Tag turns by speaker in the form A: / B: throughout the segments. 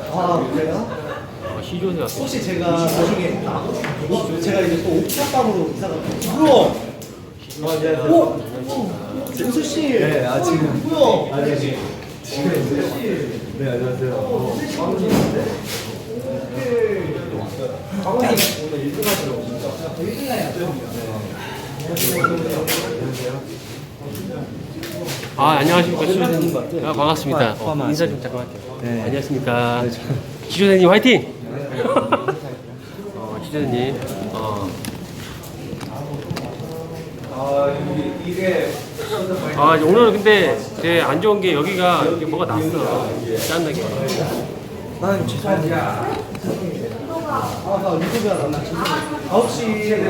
A: 아, 그래요?
B: 시조새 같은.
A: 혹시 제가 나중에 제가 이제 또 옥탑방으로 이사 갔거든요. 뭐야? 안녕하세요. 정수 씨.
C: 네, 지금.
A: 뭐야?
C: 아니, 지금 네, 안녕하세요.
A: 강원님 오늘 1등 하시죠? 1등 해야 돼요.
B: 안녕하십니까. 시조새님. 반갑습니다. 인사 좀 잠깐 할게요.
C: 네.
B: 안녕하십니까. 시조새님 화이팅! 시조새님. 오늘은 근데 되게 안 좋은 게 여기가 이렇게 뭐가 났어. 짠나게.
A: 나는 죄송합니다. 나 유튜브야 나 9시에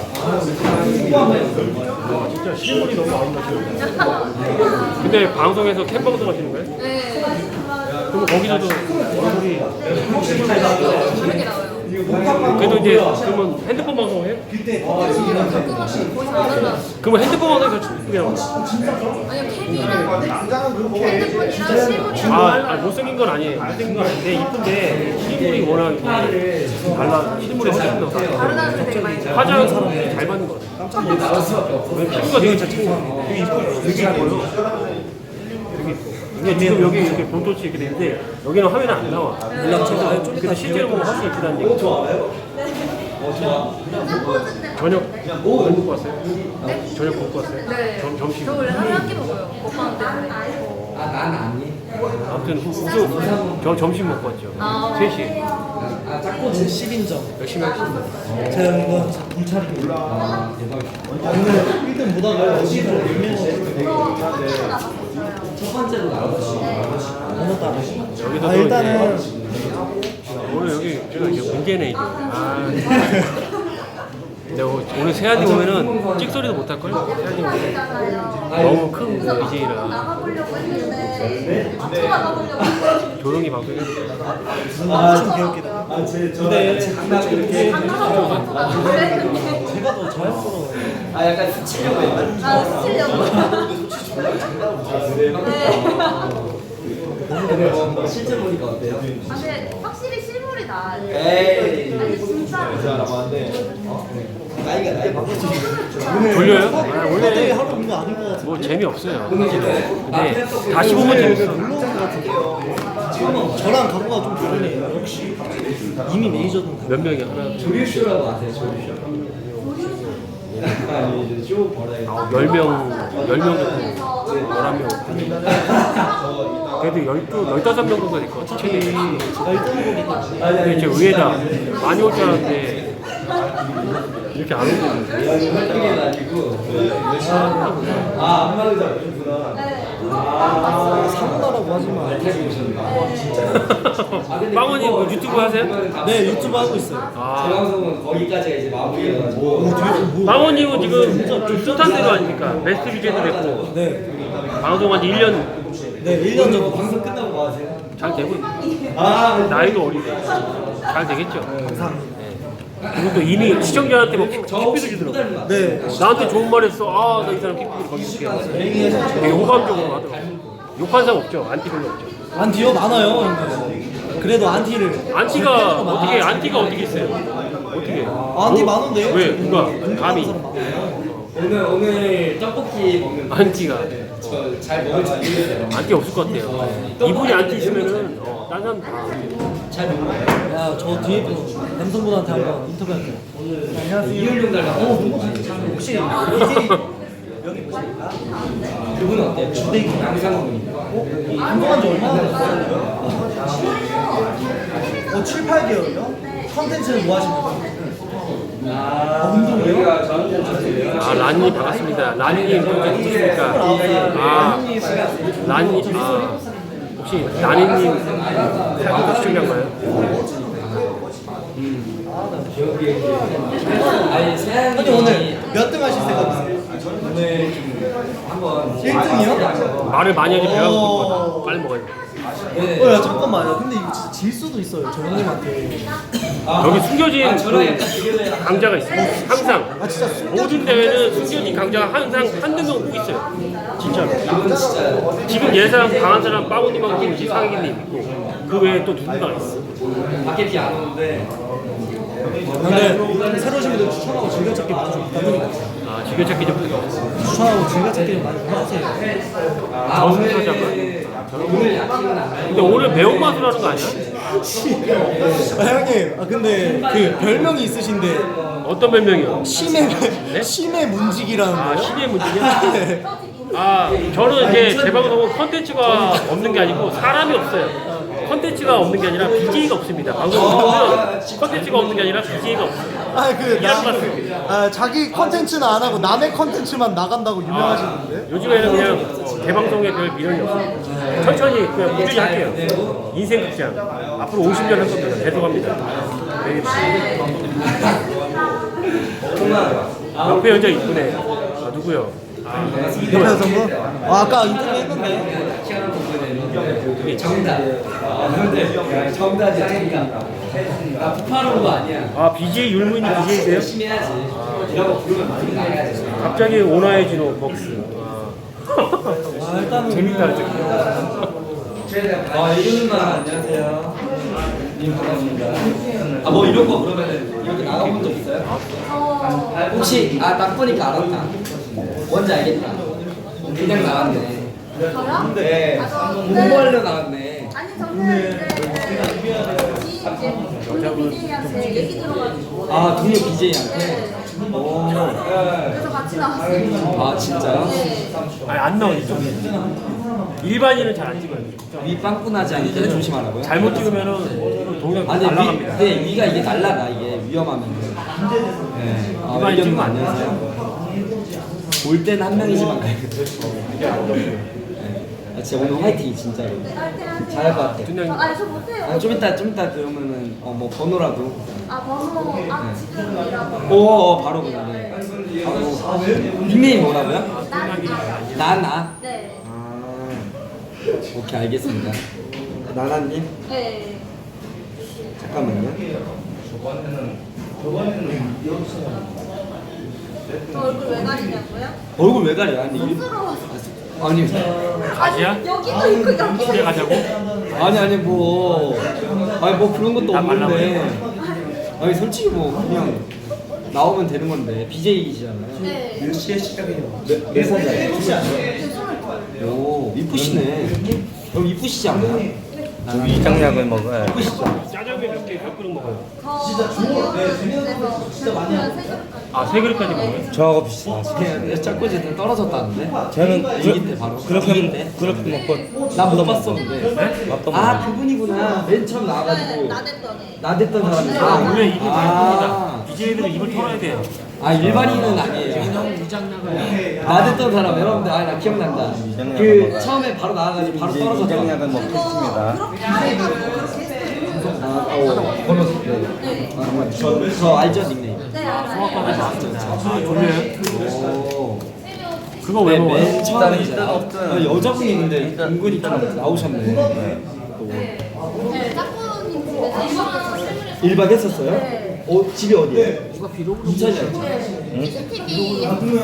B: 진짜 실물이 너무 아름다워요. 근데 방송에서 캠 방송 하시는 거예요?
D: 네.
B: 그럼 거기서도 얼굴이
D: 그렇게 나와요.
B: 그래도 이제 그러면 핸드폰 방송 해요?
D: 가끔씩 보시면 안 달라.
B: 그러면 핸드폰 방송에서 이쁘게 나와요?
D: 아니요, 캠이랑 핸드폰이랑 실물이랑
B: 못생긴 건 아니에요. 못생긴 건 아닌데 이쁜데 실물이 워낙 달라. 실물이 훨씬 나와.
D: 다르다는 데 되게 많이
B: 화장 잘 받는 거 같아요. 깜짝 놀랐어요. 피부가 되게 되게 이뻐요. 되게 이뻐요. 되게 이뻐. 근데 지금 여기 이렇게 본토치 이렇게 되는데 여기는 화면에 안 나와. 근데 실제로 보면 훨씬 이쁘다는 얘기. 저녁 못 먹고 왔어요? 저녁 먹고 왔어요?
D: 네.
B: 점심.
D: 저 원래 하루에 한 끼 먹어요. 오빠는 때문에.
C: 난 아니.
B: 아무튼 저 점심 먹고 왔죠. 3시.
C: 짝꿍
A: 10인정.
B: 열심히 하겠습니다.
A: 제가 이거 경찰입니다. 오늘 1등 보다가 어디서
C: 첫 번째로 나왔어.
A: 번호 따라.
B: 여기도
A: 일단은
B: 오늘 여기 제가 이제 문제네 이제. 근데 오늘 세안이 오면은 찍소리도 못 할 걸. 세안이 오면 너무 큰 BJ라
D: 나가보려고 했는데 맞춰 나가보려고.
B: 조용히 방송해야 돼.
A: 좀 개웃기다. 근데 제가 더 자연스러워요.
C: 약간 스치려고 했나?
D: 나 스치려고. 네.
C: 실제 보니까 어때요?
D: 근데 확실히 실물이 나아요.
C: 에이.
D: 아니 진짜.
C: 나이 바꿔주지.
B: 졸려요?
A: 원래
B: 원래
A: 하루 온거 아닌 것 같아요.
B: 뭐 재미없어요. 근데 다시 보면 재밌어.
A: 놀러온 것 같은데. 저랑 각오가 좀 다르네요. 역시 이미 메이저는 다.
B: 몇 명이 하나
C: 조류쇼라고 아세요? 조류쇼. 아니 이제 쇼 벌어야
B: 10명 정도 11명 그래도 15명 정도 될 것 같아 최대.
A: 제가 1등을 보니까
B: 근데 이제 의외다. 많이 올 줄 알았는데 이렇게 안 오거든요.
C: 그게 아니고 한마디도 안 해주구나.
A: 사고나라고 하지 마.
B: 빵원님 그 유튜브 하세요?
A: 네, 유튜브 하고 있어요.
C: 제 방송은 거기까지가 이제 마무리여가지고
B: 빵원님은 지금 숱한 대로 아닙니까? 베스트 비제도 됐고
A: 네,
B: 방송한 지 1년
A: 네, 1년 전
C: 방송 끝나고 뭐 하세요?
B: 잘 되고 있어요. 나이도 어리고 잘 되겠죠.
A: 감사합니다.
B: 그리고 또 이미 시청자한테 막 킥비도 주더라고.
A: 네,
B: 나한테 좋은 말 했어. 나 이 사람 킥비를 거기 줄게. 되게 호감적으로 하더라고. 욕한 사람 없죠. 안티 별로 없죠.
A: 안티요 많아요. 근데. 그래도 안티를
B: 안티가 어떻게 있어요? 어떻게?
A: 안티 많은데요?
B: 왜? 누가? 감히?
C: 오늘 떡볶이 먹는
B: 안티가
C: 저 잘 먹을 줄 모르겠어요.
B: 안티 없을 것 같아요. 이분이 안티 있으면은 딴 사람 다
C: 잘 먹어요.
A: 야, 저 뒤에 분 남성분한테 한번 인터뷰할게요. 안녕하세요.
C: 이율용 닮았어.
A: 혹시 BJ 여기 보십니까?
C: 그분은 어때요? 주대기 양상훈.
A: 운동한 지 얼마나 됐어요? 7, 8개월이요? 컨텐츠는 뭐 하십니까? 운동이요?
B: 란님 반갑습니다. 란님 누구십니까? 란님 혹시 나니님 시청자인가요?
C: 아니 세양이
A: 아니 오늘 몇 등 하실 생각이세요?
C: 오늘 좀 한번
A: 1등이요?
B: 말을 많이 하지 배가 고플 거다. 빨리 먹어야 돼.
A: 야 잠깐만요. 근데 이거 진짜 질 수도 있어요. 저 형님한테.
B: 여기 숨겨진
C: 저랑 약간
B: 그
C: 비교를
B: 강자가 있어. 항상.
A: 아 진짜
B: 모든 대회는 숨겨진 강자가 항상 한두 명 꼭 있어요. 진짜로.
C: 이건 진짜
B: 지금 예상 강한 사람 빠고님하고 이제 상희님 있고 그 외에 또 누군가 있어.
C: 밖에 비 안 오는데
A: 근데 새로 오신 분들 추천하고 즐겨찾기 많이 좀 부탁드립니다.
B: 아 즐겨찾기 좀 부탁드립니다.
A: 추천하고 즐겨찾기 좀 많이 부탁드세요.
B: 저승사자가.
C: 오늘 약속은 안 해요.
B: 근데 오늘 매운맛으로 하는 거 아니야?
A: 형님, 근데 그 별명이 있으신데
B: 어떤 별명이요?
A: 심해 문직이라는
B: 아
A: 거요?
B: 신의 문제냐? 아 저는 이제 제 방송은 컨텐츠가 없는 게 아니고 사람이 없어요. 컨텐츠가 없는 게 아니라 BJ가 없습니다. 방송 보면 컨텐츠가 없는 게 아니라 BJ가 없어요.
A: 자기 컨텐츠는 안 하고 남의 컨텐츠만 나간다고 유명하시는데?
B: 요즘에는 그냥 대방송에 별 미련이 없어요. 천천히 그냥 꾸준히 할게요. 인생 극장 앞으로 50년 할 겁니다. 계속합니다. 옆에 여자 이쁘네. 아 누구요?
A: 옆에 여성분? 아까 인터뷰 했는데.
C: 정답. 정답이야 정답. 나 부파로운 거 아니야.
B: 아 BJ 율무인이 BJ세요?
C: 열심히 해야지. 이런 거 부르면 많이 나가야지.
B: 갑자기 오나의 진호 벅스.
A: 일단은
B: 재밌다 저기.
C: 이거는만 안녕하세요. 님 반갑습니다. 뭐 이런 거 그러면 이렇게 나가본 적 있어요? 혹시 딱 보니까 알았다. 뭔지 알겠다. 그냥 나왔네.
D: 저요?
C: 네.
D: 아, 저
C: 공부하려 나왔네.
D: 아니 저는 동료 BJ한테 얘기 들어가지고
C: 동료 BJ한테.
D: 그래서 같이 나왔어요.
C: 진짜요?
D: 네.
B: 아니 안 나와 이쪽. 일반인은 잘 안 찍어요.
C: 위 빵꾸 나지 않게 조심하라고요?
B: 잘못 찍으면은 동영
C: 아니
B: 날라갑니다.
C: 네, 위가 이게 날라가 이게 위험하면. 네.
B: 이만희
C: 의견님
B: 찍으면
C: 안녕하세요. 올 때는 한 명이지만 가야겠다. 진짜 오늘 화이팅 진짜로. 잘할 것 같아.
B: 그냥
D: 아니 저 못해요.
C: 좀 이따 그러면은 뭐 번호라도.
D: 번호 지금이라고.
C: 바로 그냥. 네. 닉네임 뭐라고요? 나나.
D: 네.
C: 오케이 알겠습니다. 나나님
D: 네.
C: 잠깐만요.
D: 저 얼굴 왜 가리냐고요?
C: 얼굴 왜 가려? 아니
D: 쑥스러워서.
C: 아니
B: 가지야?
D: 여기도 있고 여기도
B: 집에
D: 있고.
B: 가자고?
C: 아니 뭐 그런 것도
B: 나 말라고
C: 없는데. 아니 솔직히 뭐 그냥 나오면 되는 건데 BJ이시잖아요.
D: 네.
A: 몇 시에 시작해요?
C: 몇 살이에요?
D: 네,
C: 오 이쁘시네. 그럼 이쁘시지 않아요?
E: 위장약을 먹어야
B: 짜장면 몇 그릇 먹어요?
D: 세 그릇까지.
B: 먹어요?
E: 저하고 비슷하시.
C: 짝꿍이 떨어졌다는데?
E: 저는
C: 이길 때 바로.
E: 그렇게 먹고
C: 나 못 봤었는데.
E: 맛도
C: 그분이구나. 맨 처음 나와가지고
D: 나댔더니.
C: 나댔던 사람이.
B: 원래 입이 넓습니다. BJ들은 입을 털어야 돼요.
C: 일반인은 아니에요. 나댔던 사람 여러분들 나 기억난다.
E: 위장약을
C: 처음에 바로 나와가지고 바로 떨어졌다.
E: 위장약을 먹겠습니다.
D: 그렇게 하다가 그렇게 했어요.
C: 번호 네. 저 알죠 닉네임.
D: 네 알아요.
B: 아 졸려요?
C: 오.
B: 그거 왜 먹어요?
C: 맨 처음에 이제
E: 일단 없든
C: 여자분이 근데 은근히 좀 나오셨네.
D: 네 짝꿍님 집에서
C: 1박 했었어요?
D: 네.
C: 집이 어디예요? 인천이었죠.
D: CCTV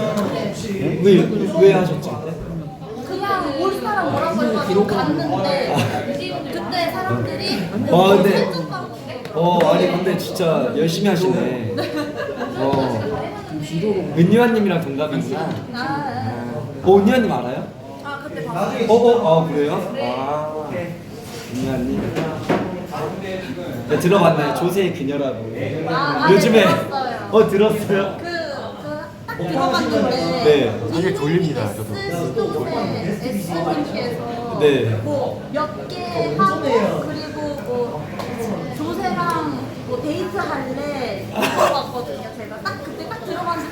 C: 왜 하셨지?
D: 그냥 올 사람 뭐라고 해가지고 갔는데 그때 사람들이
C: 근데
D: 설득받고
C: 아니 근데 진짜 열심히 하시네. 은유아님이랑 동갑이구나. 은유아님 알아요?
D: 그때 봤어요.
C: 그래요? 은유아님. 네, 들어봤나요? 조세의 그녀라고. 요즘에
D: 들었어요.
C: 들었어요?
D: 딱 들어봤는데
C: 네.
B: 사실 졸립니다, 저도.
D: S님께서
C: 네.
D: 몇 개 하고 그리고 조세랑 데이트 할래 물어봤거든요. 제가 딱 그때 딱 들어봤는데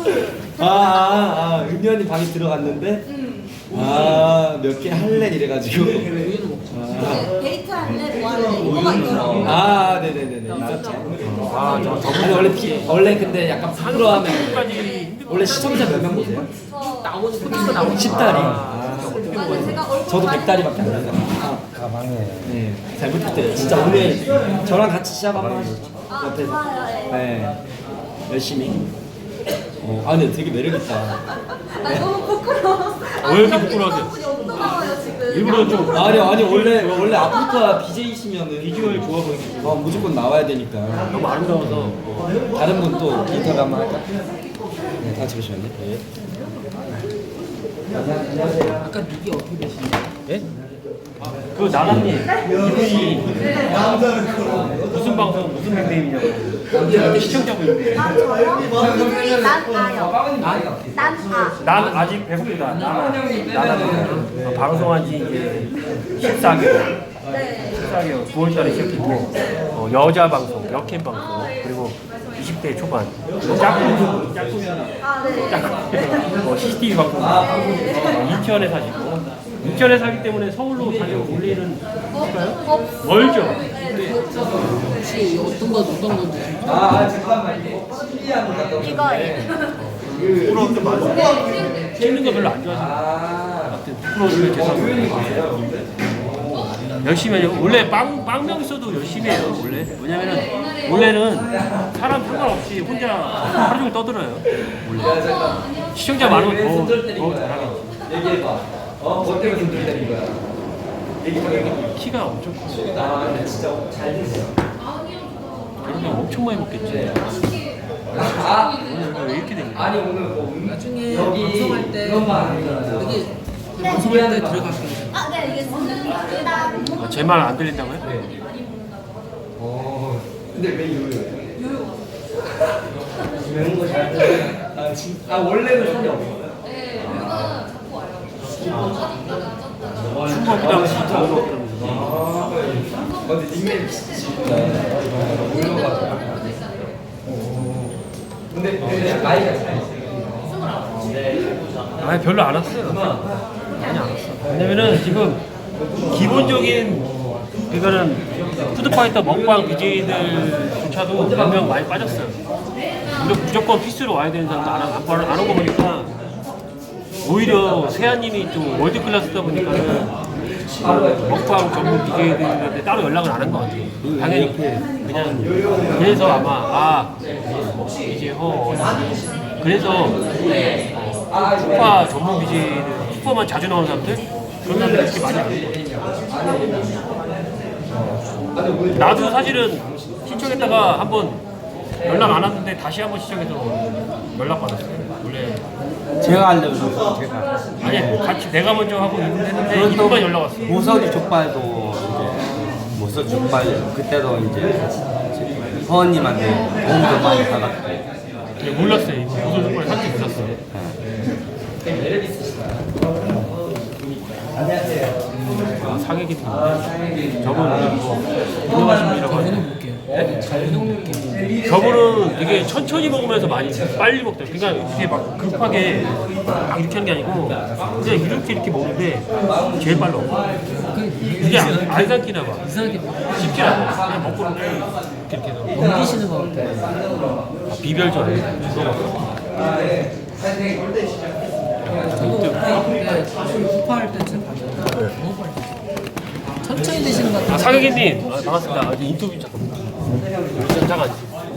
D: 딱
C: 은유아님 방에 들어갔는데 몇 개 할래 이래가지고.
D: 데이트 할래 뭐 할래 이거가 있더라고요.
C: 네네네네. 있었죠.
B: 아, 저
C: 아니 원래 근데 약간 부끄러워하면
B: 까지 힘든
C: 원래 시청자 몇 명 보세요?
D: 나오는
C: 10다리.
D: 제가 얼굴
C: 저도
D: 많이
C: 100다리밖에 안 돼요.
E: 가방에
C: 네, 잘 부탁드려요. 진짜 오늘 저랑 같이 시합 한번 하시죠.
D: 아,
C: 옆에서.
D: 좋아요. 예.
C: 네, 열심히. 근데 되게 매력있다.
D: 아, 너무 부끄러워.
B: 왜 이렇게 부끄러워하세요?
D: 분이 없나 봐요, 지금.
B: 일부러 좀
C: 아니, 원래 아프리카 BJ이시면은
B: 비주얼 좋아 보이고
C: 무조건 나와야 되니까.
B: 너무 아름다워서
C: 다른 분 또 인터뷰 한번 할까? 네, 다 잠시만요. 네.
F: 아까 닉이 어떻게 되시나요?
B: 예? 그 나나님 이분이 무슨 방송 무슨 닉네임이냐고 시청자분인데
D: 아, 저요? 이름이 난아요. 난아.
B: 난 아직 배고프다 나나는 방송한 지 이제 14개월
D: 네.
B: 14개월 9월달에 시작했고 여자 방송 역캠 방송 그리고 20대 초반 짝꿍
D: 아, 네.
B: CCTV 방송 인천에 사시고 인천에 사기 때문에 서울로 자주 올리는 멀죠?
F: 혹시 어떤 건지
C: 잠깐만. 이게 신기한 거 같다.
D: 이거예요.
B: 찍는 거 별로 안 좋아하시는 프로를 계속 열심히 해요. 원래 빵명 있어도 열심히 해요. 원래는 사람 상관없이 혼자 하루 종일 떠들어요. 원래 시청자 많으면 더 잘하겠지.
C: 얘기해봐. 뭐 때문에 손들 때린 거야? 얘기해봐.
B: 키가 엄청 커.
C: 근데 진짜 잘 됐어요.
B: 그러면 엄청 많이 먹겠지. 왜 이렇게 된 거야?
C: 아니 오늘 뭐
F: 나중에
C: 여기
F: 방송할 때
C: 그런 말 아니잖아요.
F: 여기 방송할 때 들어갈게요.
D: 아, 네, 알겠습니다.
B: 제 말 안 들린다고요?
C: 근데 왜 요요? 매운 거 잘 드세요? 원래는 살이 없어요?
B: 춤먹기도 하고 진짜 먹으면서
C: 근데 닉네임 진짜 올려가지고. 근데 나이가 차이
B: 아니 별로 안 왔어요. 많이 안 왔어. 왜냐면은 지금 기본적인 이거는 푸드파이터 먹방 BJ들조차도 몇 명 많이 빠졌어요. 무조건 필수로 와야 되는 사람도 안 오고 보니까 오히려 세아님이 좀 월드 클래스다 보니까는 먹방 전문 BJ들한테 따로 연락을 안 한 것 같아요. 당연히 그냥 그래서 아마 이제 그래서 슈퍼 전문 BJ들 슈퍼만 자주 나오는 사람들 그런 사람들 이렇게 많이 안 거예요. 나도 사실은 신청했다가 한번 연락 안 왔는데 다시 한번 신청해서 연락 받았어요. 원래
E: 제가 알려줘서 제가
B: 아니 같이 내가 먼저 하고 했는데 이분만 연락 왔어.
E: 모서리 족발도 이제 모서리 족발 그때도 이제 허원님한테 도움도 많이 받았고
B: 네, 몰랐어요. 무슨 정말 한지 몰랐어요. 아, 사객이 저분 운동하신 분이라고 하죠. 저분은 되게 천천히 먹으면서 많이 빨리 먹대요. 그러니까 이게 막 급하게 막 이렇게 하는 게 아니고 그냥 이렇게 먹는데 제일 빨라. 이게 안 삼키나 봐.
F: 이상하게
B: 쉽지 않아. 그냥 먹고는 이렇게 해서
F: 넘기시는 것 같아요.
B: 비별전.
F: 저도 그때 후파할 때 진짜 봤는데 너무 빨리 천천히 드시는 것 같아요.
B: 사객님 반갑습니다. 인터뷰 잠깐.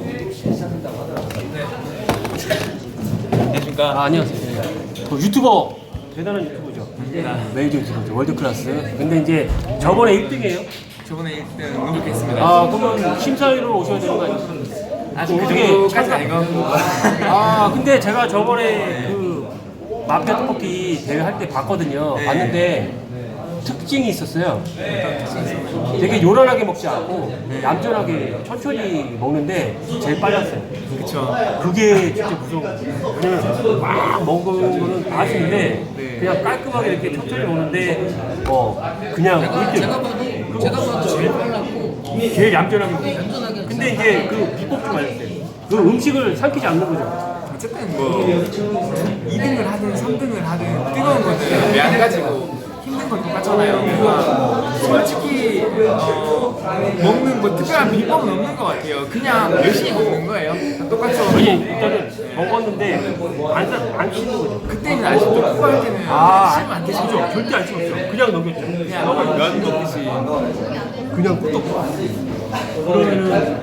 B: 안녕하십니까. 안녕하세요. 그 유튜버 대단한 유튜버죠. 메이저 유튜버죠. 월드 클래스. 근데 이제 저번에 1등이에요.
G: 저번에 1등 노력했습니다.
B: 아 그러면 심사위로 오셔야 되는 거 아니에요? 어떻게
G: 까지 아니고.
B: 근데 제가 저번에 그 마피아 떡볶이 대회 할 때 봤거든요.
G: 네.
B: 봤는데 특징이 있었어요. 되게 요란하게 먹지 않고 얌전하게 천천히 먹는데 제일 빨랐어요.
G: 그쵸.
B: 그게 진짜 무서운 거예요. 왜냐면 막 먹은 거는 맛있는데 그냥 깔끔하게 이렇게 천천히 먹는데 그냥
F: 제가 봐도 제일 빨랐고
B: 제일 얌전하게 먹어요.
F: 얌전하게
B: 근데 이제 그 비법 좀 알려주세요. 그 음식을 삼키지 않는 거죠.
G: 어쨌든 뭐 2등을 하든 3등을 하든 뜨거운 거는 매안 가지고 힘든 거 똑같잖아요. 그러니까 솔직히 먹는 뭐 특별한 비법은 없는 것 같아요. 그냥 열심히 먹는 거예요. 똑같죠.
B: 아니 일단은 먹었는데 안 씻는 거죠.
G: 그때는 안 씹고 할 때는 씹으면 안 되죠.
B: 절대 안 씹었죠. 그냥 넘겼죠.
G: 그냥 면 먹듯이.
B: 그냥 꿀떡. 그러면은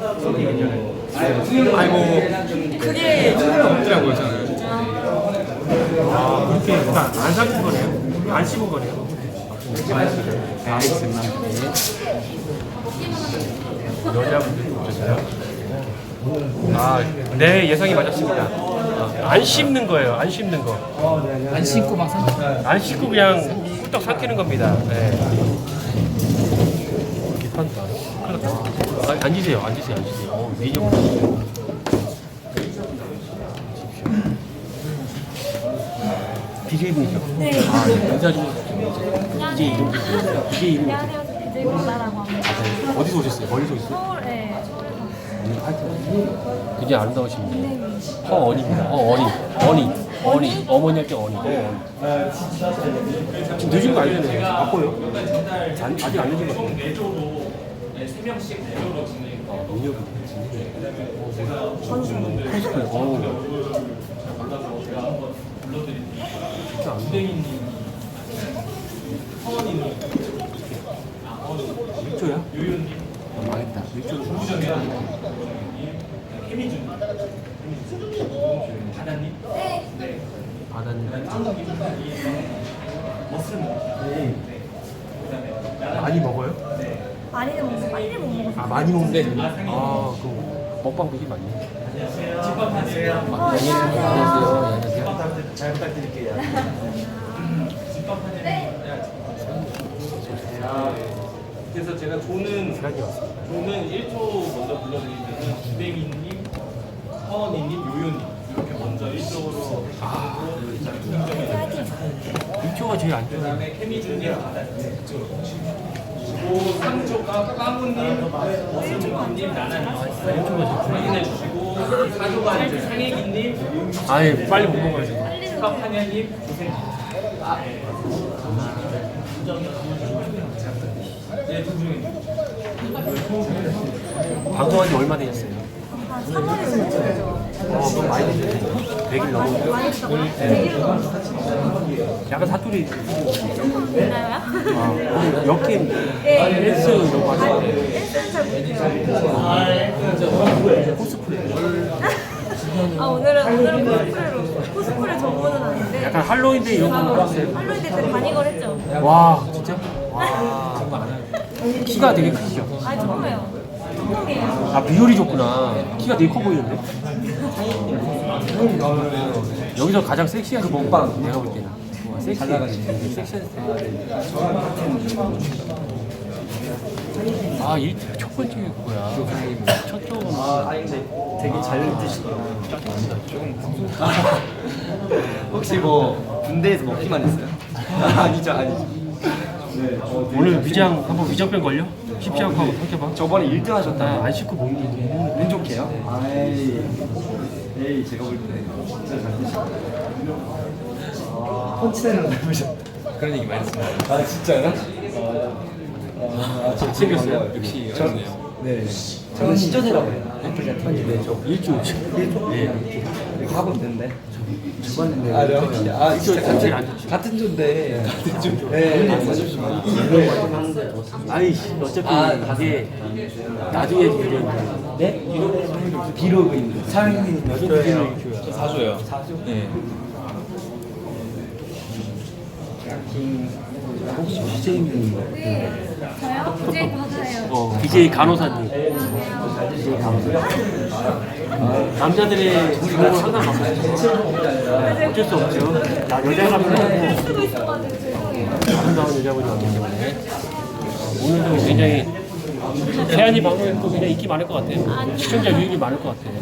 G: 아니 뭐 크게 차이가 없더라고요 저는.
B: 그렇게 안 삭힌 거네요. 안 씹은 거네요.
G: 알겠습니다.
B: 여자분들도 오셨어요? 네 예상이 맞았습니다. 안 씹는 거예요. 안 씹는 거.
F: 안 신고 막 삼.
B: 안 씹고 그냥 꿀떡 삭히는 겁니다. 네. 비판다. 큰일 났다. 앉으세요. 앉으세요. 미디어. BJ분이죠?
D: 네.
B: 인사 좀 BJ 이름 좀 BJ 이름
D: 안녕하세요. BJ 문나라고 합니다.
B: 어디서 오셨어요? 멀리서 오셨어요?
D: 서울에 서울에서.
B: 굉장히 아름다우십니다. 허언입니다. 어니. 어머니 할 때 어니. 지금 늦은 거 아니잖아요. 바빠요. 아직 안 늦은 거 같아요. 능력이 코스프레. 진짜 안 돼. 일조야? 망했다. 일조. 바다님. 많이 먹어요?
D: 많이는 먹고 빨리 못 먹어서.
B: 많이 먹는데. 그럼 먹방 되게 많이.
D: 안녕하세요.
A: 잘 부탁드릴게요.
H: 그래서 제가 조는
B: 시간이 왔습니다.
H: 1초 먼저 불러드리면 주댕이님, 서원이님, 요요님 이렇게 먼저 1쪽으로
B: 일조가 제일 안 좋아요.
H: 그다음에 케미준님, 그리고 3조가 까무님, 머스무님, 나나님 확인해 주시고 4조가 상혜기님,
B: 아예 빨리 못 먹어야죠.
H: 박한현님, 고생. 네, 두 중에.
B: 방송한 지 얼마 되셨어요?
D: 한 3월에 오셨죠.
B: 그럼 많이 되셨어요. 100일 넘었어요.
D: 많이 했다고요? 100일 넘었어요.
B: 약간 사투리
D: 있나요?
B: 역캠
D: 네.
B: 헬스 이런 거 하시는데
D: 헬스는 잘 못해요.
B: 코스프레
D: 오늘은 코스프레 전문은 아닌데.
B: 약간 할로윈데이 이런 거 하세요?
D: 할로윈 때 많이 걸었죠.
B: 와 진짜? 와 정말 안 해요. 키가 되게 크시죠?
D: 아니 처음에요. 처음이에요.
B: 비율이 좋구나. 키가 되게 커 보이는데? 여기서 가장 섹시한 먹방 내가 볼 때는 섹시해. 섹시한 첫 번째 뭐야? 첫 쪽은
C: 근데 되게 잘 드시더라고요. 혹시 뭐 군대에서 먹기만 했어요? 아니죠. 네.
B: 오늘 위장 한번 위장병 걸려? 쉽지 않고 한번 삼켜봐.
C: 저번에 1등 하셨다.
B: 안 씻고 먹는
C: 운 좋게요? 에이 제가 볼 때 진짜 잘 드시고 펀치대는 닮으셨다.
G: 그런 얘기 많이 했습니다.
C: 아 진짜요?
B: 생겼어요.
G: 역시
C: 저, 네. 저는 시조제라고 해요. 네, 저
B: 일주일.
C: 네. 이렇게 하고 있는데.
E: 주관인데.
C: 진짜
B: 제일 안 좋지.
C: 같은 조인데. 같은 조. 네.
B: 아이씨 어차피 그게 나중에 이제
C: 네? 비로그인데. 사장님
B: 여자들이
G: 사줘요. 네.
E: 혹시 BJ님
D: 네. 저요? BJ 받아요.
B: BJ 간호사님. 남자들의 주목을 항상 받고 있어요. 어쩔 수 없죠. 여자가 필요하고
D: 쓰고 있어가지고 죄송해요.
B: 아름다운 여자분이 왔기 때문에 오늘도 굉장히 세안이 방송에 또 굉장히 인기 많을 것 같아요. 시청자 유입이 많을 것 같아요.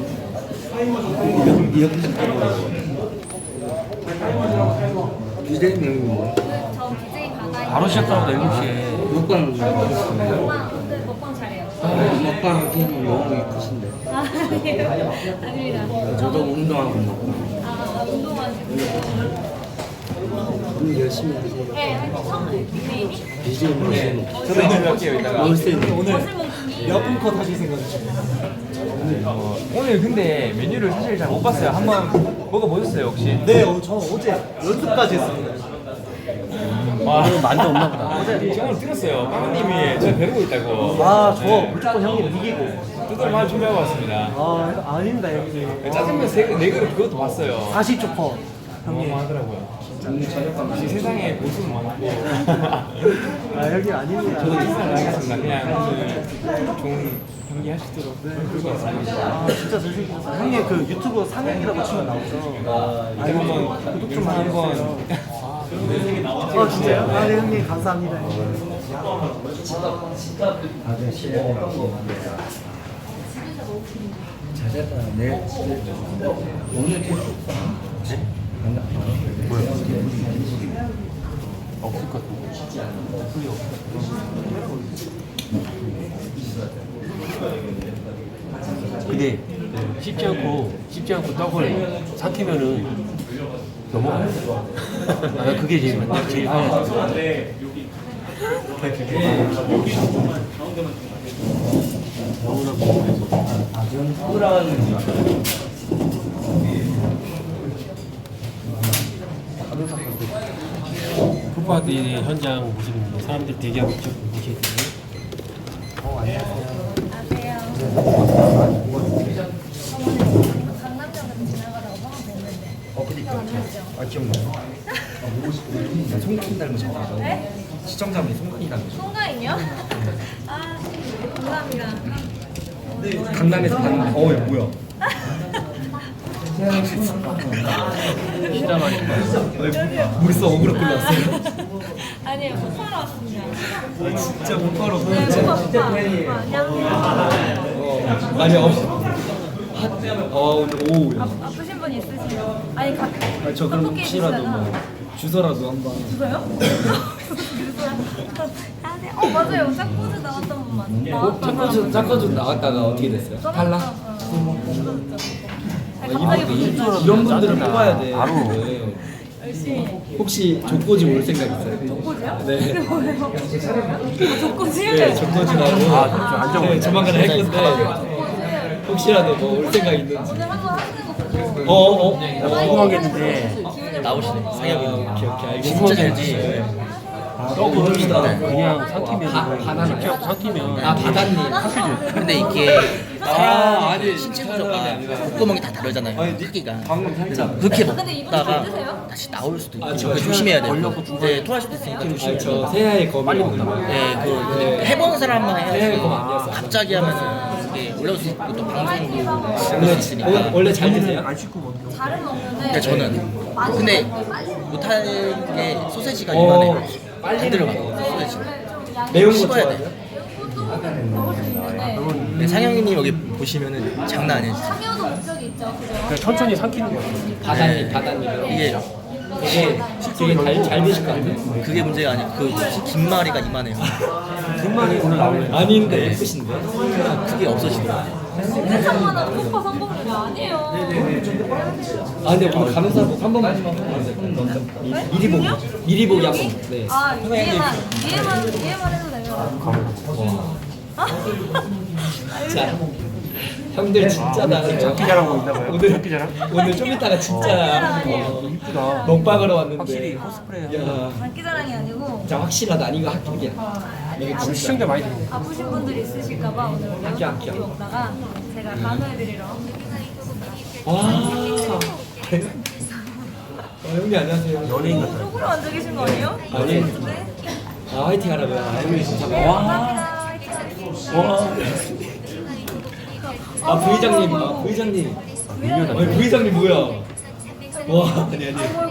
E: BJ님 뭐?
D: 저 BJ 받아요.
B: 바로 시작하고 7시에
E: 먹방
D: 먹방 잘해요.
E: 먹방 하기에는 너무 크신데.
D: 아니에요. 아닙니다.
E: 저도 운동하고 먹고.
D: 운동하시고.
C: 오늘 열심히 하세요.
D: 네, 처음 닉네임이
G: 저도 인터뷰 할게요 이따가.
A: 오늘 몇 분 컷 하실 생각이신가요?
G: 오늘 근데 메뉴를 사실 잘 못 봤어요. 한번 먹어보셨어요 혹시?
A: 네, 저 어제 연습까지 했습니다.
G: 오늘 만두 없나 보다. 어제 저는 들었어요. 빵님이 저 벼르고 있다고.
A: 아, 저 무조건 형님 이기고.
G: 두들만 준비하고 왔습니다.
A: 아, 아닙니다, 형님.
G: 짜장면 네 그릇 그것도 봤어요.
A: 40초퍼.
G: 너무 하더라고요. 역시 세상에 고수는 많고.
A: 아, 형님 아닙니다.
G: 저도 인사를 하겠습니다. 그냥 오늘 좋은 경기 하시도록 그러고 왔습니다.
A: 아, 진짜 잘생겼어요. 형님 그 유튜브 상영이라고 치면 나오죠?
G: 이거 한번
A: 구독 좀 많이 해주세요. 아, 진짜요? 아, 네, 형님 감사합니다.
C: 잘했다. 내일 오늘
B: 없을 것 같은데. 근데 씹지 않고 떡을 삭히면은 넘어가요. 아, 그게 제일 편해요. 풋파티 현장 모습입니다. 사람들 대기하고 있죠. 보시겠어요?
D: 안녕하세요. 강남역으로 지나가다가 화가 됐는데.
C: 아 기억나요? 송가인 닮으셔가지고
D: 네?
C: 시청자분이 송가인 닮으셔.
D: 송가인이요? 아, 감사합니다.
C: 강남에서 봤는데 뭐야?
B: 진짜 많이 봐요.
C: 물써 억울로 끌려왔어요.
D: 아니에요, 못 팔아 왔습니다.
C: 진짜 못 바로
D: 네, 못 팔아. 안녕.
C: 아니 오늘 오후
D: 아프신 분 있으세요? 아니,
C: 저 그럼 혹시라도 뭐 주소라도 한번
D: 주소요? 주소요? 맞아요. 짝꿍즈 나왔던 분만.
C: 짝꿔주 나갔다가 어떻게 됐어요? 탈락?
D: 갑자기 보니까
C: 이런 분들을 뽑아야 돼.
B: 바로.
C: 네.
D: 열심히.
C: 혹시 족고지 올 생각 있어요?
D: 족고지요?
C: 네.
D: 뭐예요? 족고지요?
C: 네, 족고지라고. 네, 조만간 할 건데 혹시라도 뭐 올 생각 있는지.
D: 오늘 한번 하시는 거 보고.
B: 궁금하겠는데
C: 나오시네. 상혁이. 오케이, 알겠습니다.
B: 진짜 잘지. 떡을 그냥 삭히면 직접 삭히면
C: 바다님.
I: 근데 이게
C: 아니,
I: 신체 구조가 목구멍이 다 다르잖아요. 크기가.
C: 방금 살짝.
I: 그렇게
D: 근데 이분
I: 먹다가
D: 드세요?
I: 다시 나올 수도 있고
C: 저
I: 조심해야 돼요. 네, 토할 수도 있으니까 조심해야 돼요.
C: 저 새해의 검이 빨리 먹나
I: 네, 그 해보는 사람만
C: 새해의
I: 해야지.
C: 검 아니었어.
I: 갑자기 하면은 이게 올라올 수 있고 또 방송도 그럴 수 있으니까.
C: 원래 잘 드세요?
D: 잘은 먹는데.
I: 근데 저는 근데 못하는 게 소세지가 이만해. 안 들어가요. 소세지.
C: 매운 거
I: 씹어야
C: 좋아해요?
I: 돼.
D: 먹을 수 있는데.
I: 근데 상영이님 여기 보시면은 장난 아니에요. 진짜.
D: 상여도 목적이 있죠, 그죠?
B: 그냥 천천히 삭히는 거예요.
C: 바다님.
I: 이게
C: 되게 잘 드실 것 같아요.
I: 그게 문제가 아니고 그 긴마리가 이만해요.
B: 등만이 오늘 나오네.
C: 아닌데 예쁘신데?
I: 그게 없어지더라고요.
D: 세상만한 폭파 성공률이 아니에요.
C: 아 근데 오늘 가는 사람 한 번만 미리 보기 미리 보기 한 번. 네.
D: 아, 위에만 해도 돼요.
C: 자, 형들 진짜 나
B: 장기 자랑하고 있나 봐요.
C: 오늘
B: 장기 자랑?
C: 오늘 좀 이따가 진짜
B: 이쁘다.
C: 먹방으로 왔는데
B: 확실히 코스프레.
C: 야,
D: 장기자랑이 아니고
C: 진짜 확실하다. 아닌 거 합격이야. 이게 진짜
B: 시청자 많이 들어.
D: 아프신 분들이 있으실까봐 오늘
C: 할게요.
D: 고기 먹다가 제가 간호해드리러.
C: 형님 안녕하세요.
B: 연예인 같아.
D: 쪽으로 앉아 계신 거 아니에요?
C: 아니.
D: 네.
C: 아 화이팅 하라고요. 형님 진짜
D: 네, 감사합니다.
C: 아 부의장님, 부의장님. 부의장님 뭐야? 와 아니.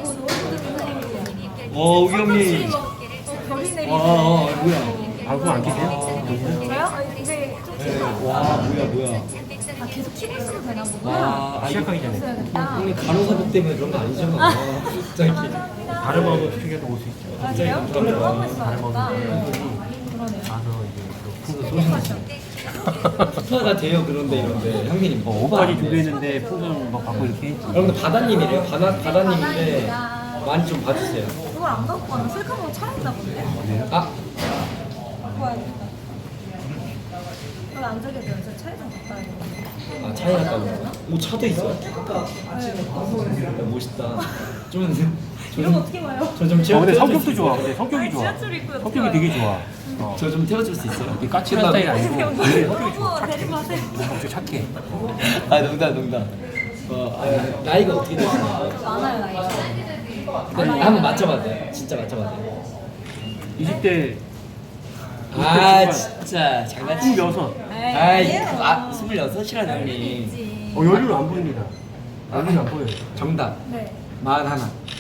C: 우기 형님.
D: 별이 내리네.
C: 뭐야?
B: 방송 안 키세요?
D: 저요? 이제 좀
C: 와 뭐야?
D: 계속 키고 있어도 되나 보다.
C: 와
B: 시작하기 전에.
D: 있어야겠다.
C: 형님 간호사복 때문에 그런 거 아니죠? 갑자기.
B: 다른 방송 시청자도 올 수 있죠.
D: 아, 그래요? 그럼 하고 있어야겠다. 그러네요.
B: 가서 이제 풍선
C: 스파가 돼요 그런데 이런데 형님
B: 옷까지 준비했는데 풍선 막 받고 이렇게 했지.
C: 여러분들 바다님이래요. 바다님인데 많이 좀 봐주세요.
D: 이걸 안 갖고 가면 셀카봉 차있나 본데?
C: 아,
D: 갖고 와야겠다. 이걸 안 저게 돼요. 저 차에 좀 갖다 와야겠다.
C: 아 차이 났다고. 오 차도 있어. 야, 멋있다. 좀
D: 이런 거 어떻게 봐요?
C: 저좀
B: 근데 성격도 좋아. 근데 성격이 좋아.
D: 지하철 입구에
B: 성격이 되게 좋아.
C: 저좀 태워줄 수 있어요?
B: 이게 까칠한 스타일 아니고 되게 성격이 좋아.
D: 너무 데리고 가세요.
B: 엄청 착해.
C: 아 농담. 나이가 어떻게 되시나요?
D: 많아요, 나이가.
C: 한번 맞춰봐도 돼요. 진짜 맞춰봐도 돼요.
B: 20대
C: 아 진짜 장난치.
B: 26.
C: 아이 26이라는 형님.
B: 연륜 안 보입니다. 연륜 안 보여요.
C: 정답.
D: 네.
C: 41.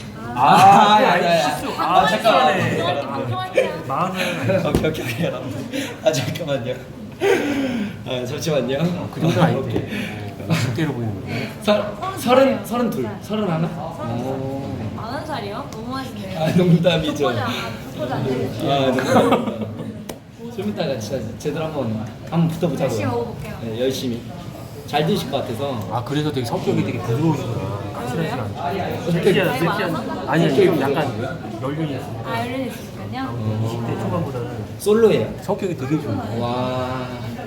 B: 실수. 잠깐만요.
D: 방송할게요.
B: 마흔은
C: 오케이 여러분. 아 잠깐만요. 아 잠시만요.
B: 그 정도는 아닌데. 20대로 보이는 거예요.
C: 32. 31?
D: 40살이요? 너무 하시네요.
C: 아 농담이죠.
D: 족보지 안 되겠어요.
C: 아 농담입니다. 좀 이따가 진짜 제대로 한번 붙어보자고요.
D: 열심히 먹어볼게요.
C: 네, 열심히. 잘 드실 것 같아서.
B: 아 그래서 되게 성격이 되게 부드러우시구나. 까칠하지 않아.
D: 나이 많아서?
B: 아니 좀 약간 연륜이 있어.
D: 아, 열린이 있으니까요?
B: 20대 초반보다는
C: 솔로예요.
B: 성격이 되게 좋아.
C: 와.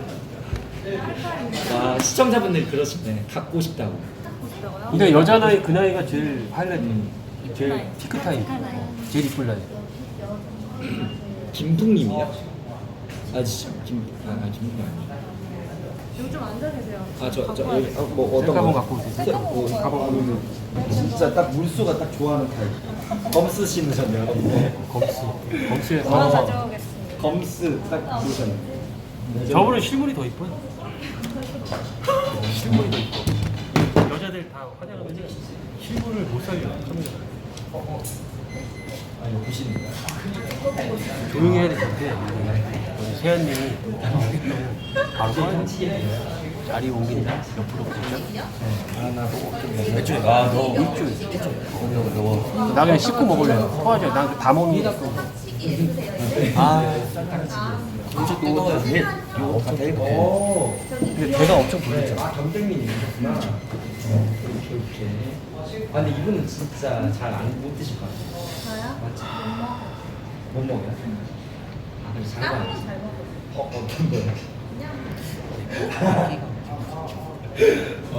C: 와 시청자분들 그러시네. 갖고 싶다고.
D: 싶다고요?
B: 근데 여자 나이 그 나이가 제일 하이라이트. 제일
D: 나이.
B: 피크 타임.
D: 피크 나이.
B: 제일 이쁠 나이.
C: 김풍님이요? 아 진짜 김풍 아니요.
D: 여기 좀 앉아 계세요.
C: 아저 여기 뭐 어떤
B: 셀카봉
C: 거?
B: 갖고 오세요.
D: 셀카봉
A: 가방 진짜 딱 물수가 딱 좋아하는 타입. 검스 신으셨네요.
B: 검수에
D: 하나
B: 가서
D: 가져오겠습니다.
A: 검스 딱 보셨네.
B: 저분은 실물이 더 이뻐요. 실물이 더 이뻐. 여자들 다 화장하면 실물을 못 살려. 카메라. 조용히 해야 될 것 같아. 세연님이 바로 꺼요. 자리 옮긴다. 옆으로 보죠.
E: 애초에 아너
B: 나 그냥 씹고 먹을래. 토하죠. 난 다 먹는 거.
E: 엄청 또 이거 다 데리고
B: 근데 배가 엄청 불리죠.
C: 아 경쟁님이셨구나. 오케이. 아 근데 이분은 진짜 잘 못 드실 것 같아요.
D: 저요?
C: 맞지? 못 먹어요? 아 그럼 잘
D: 다른
C: 봐.
D: 거잘 먹어요.
C: 어떤 거요?
D: 그냥